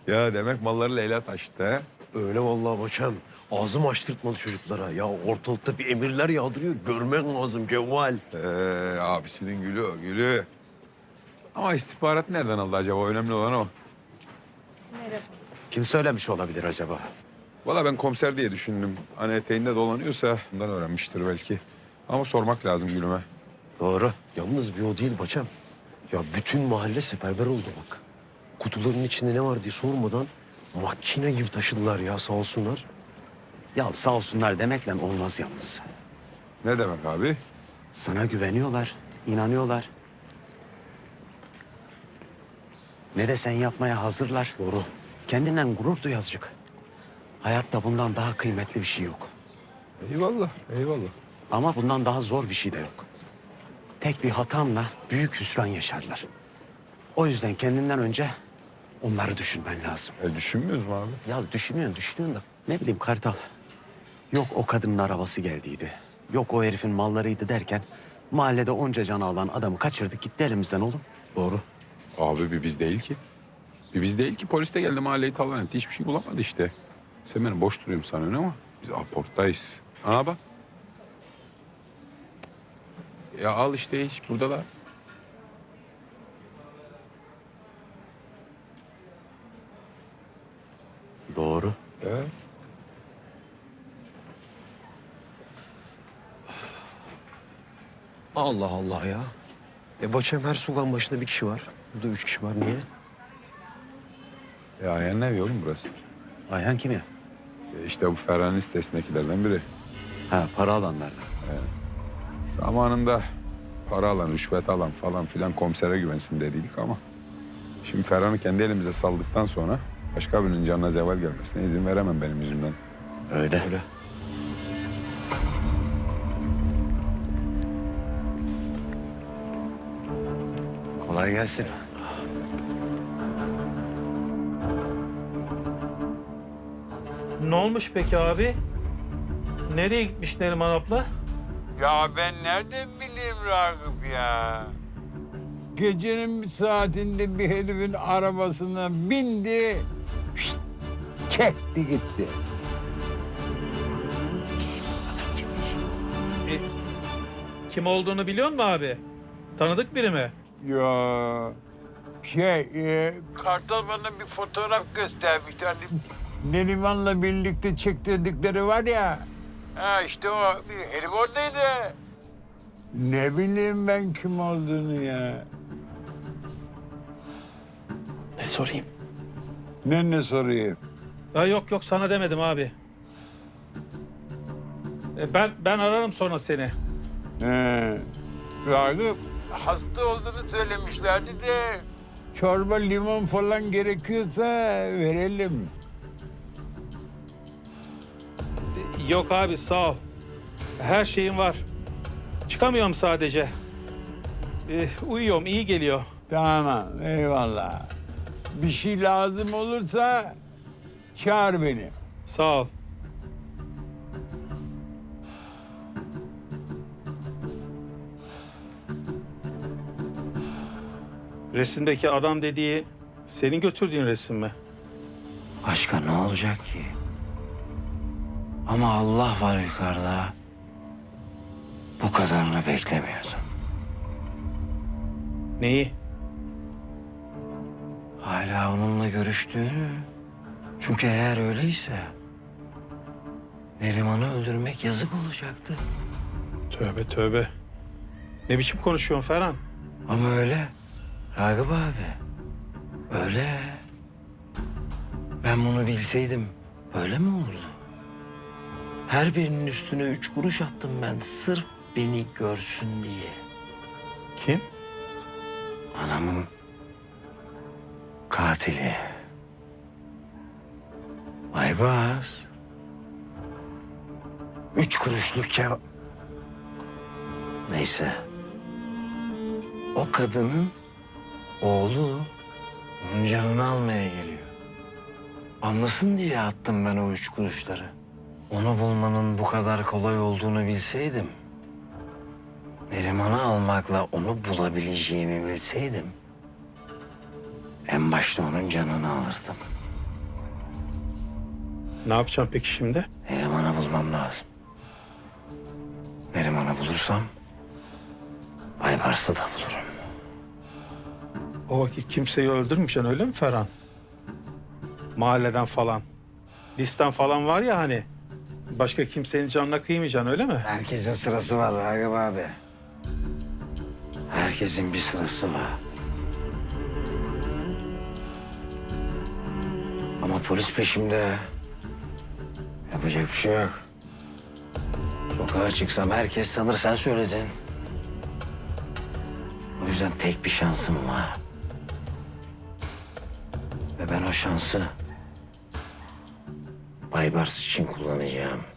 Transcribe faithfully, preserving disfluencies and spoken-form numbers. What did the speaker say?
Ya demek malları Leyla taşıdı ha? Öyle vallahi Baçam. Ağzım açtırtmadı çocuklara. Ya ortalıkta bir emirler yağdırıyor. Görmen lazım Cevval. Ee, abisinin gülü o, gülü. Ama istihbarat nereden aldı acaba? Önemli olan o. Kim söylemiş olabilir acaba? Valla ben komiser diye düşündüm. Hani eteğinde dolanıyorsa bundan öğrenmiştir belki. Ama sormak lazım Gülüme. Doğru. Yalnız bir o değil Baçam. Ya bütün mahalle seferber oldu bak. Kutuların içinde ne var diye sormadan makine gibi taşıdılar ya sağ olsunlar. Ya sağ olsunlar demekle olmaz yalnız. Ne demek abi? Sana güveniyorlar, inanıyorlar. Ne desen yapmaya hazırlar. Doğru. Kendinden gurur duy azıcık. Hayatta bundan daha kıymetli bir şey yok. Eyvallah, eyvallah. Ama bundan daha zor bir şey de yok. Tek bir hatanla büyük hüsran yaşarlar. O yüzden kendinden önce onları düşünmen lazım. E düşünmüyoruz mu abi? Ya düşünüyorsun, düşünüyorsun da ne bileyim Kartal. Yok o kadının arabası geldiydi. Yok o herifin mallarıydı derken mahallede onca canı alan adamı kaçırdık gitti elimizden oğlum. Doğru. Abi bir biz değil ki. Bir biz değil ki. Polis de geldi mahalleyi talan etti. Hiçbir şey bulamadı işte. Sen beni boş duruyorum sanıyorsun ama biz aporttayız. Ana bak. Ya al işte hiç buradalar. Doğru. Evet. Allah Allah ya. E Baçam her sugan başında bir kişi var. Burada üç kişi var. Niye? Ya yani ne oğlum burası? Ayhan kim ya? E işte bu Ferhan'ın sitesindekilerden biri. Ha para alanlardan. Zamanında para alan, rüşvet alan falan filan komisere güvensin dediydik ama... Şimdi Ferhan'ı kendi elimize saldıktan sonra başka birinin canına zeval gelmesine izin veremem benim yüzümden. Öyle. Öyle. Kolay gelsin. Ne olmuş peki abi? Nereye gitmiş Neriman abla? Ya ben nereden bileyim Ragıp ya? Gecenin bir saatinde bir herifin arabasına bindi, şşt, çekti gitti. E, kim olduğunu biliyor musun abi? Tanıdık biri mi? Ya şey, e, Kartal bana bir fotoğraf göstermişti. Hani Neriman'la birlikte çektirdikleri var ya. Ha işte o bir herif oradaydı. Ne bileyim ben kim olduğunu ya. Ne sorayım? Ne ne sorayım? Ya yok yok sana demedim abi. E, ben ben ararım sonra seni. He. Ragıp hasta olduğunu söylemişlerdi de çorba limon falan gerekiyorsa verelim. E, yok abi sağ ol. Her şeyim var. Çıkamıyorum sadece. E, uyuyorum iyi geliyor. Tamam eyvallah. Bir şey lazım olursa çağır beni. Sağ ol. Resimdeki adam dediği senin götürdüğün resim mi? Başka ne olacak ki? Ama Allah var yukarıda. Bu kadarını beklemiyordum. Neyi? Hala onunla görüştüğünü. Çünkü eğer öyleyse Neriman'ı öldürmek yazık olacaktı. Tövbe tövbe. Ne biçim konuşuyorsun Ferhan? Ama öyle. Ragıp abi. Öyle. Ben bunu bilseydim böyle mi olurdu? Her birinin üstüne üç kuruş attım ben sırf beni görsün diye. Kim? Anamın katili. Aybaz. Üç kuruşluk kev... Neyse. O kadının oğlu onun canını almaya geliyor. Anlasın diye attım ben o üç kuruşları. Onu bulmanın bu kadar kolay olduğunu bilseydim... Neriman'ı almakla onu bulabileceğimi bilseydim... en başta onun canını alırdım. Ne yapacağım peki şimdi? Neriman'ı bulmam lazım. Neriman'ı bulursam Aybars'ı da bulurum. O vakit kimseyi öldürmeyeceksin öyle mi Ferhan? Mahalleden falan. Listen falan var ya hani. Başka kimsenin canına kıymayacaksın öyle mi? Herkesin sırası var Ragıp abi. Herkesin bir sırası var. Ama polis peşimde. Yapacak bir şey yok. Sokağa çıksam herkes tanır, sen söyledin. O yüzden tek bir şansım var. Ve ben o şansı Baybars için kullanacağım.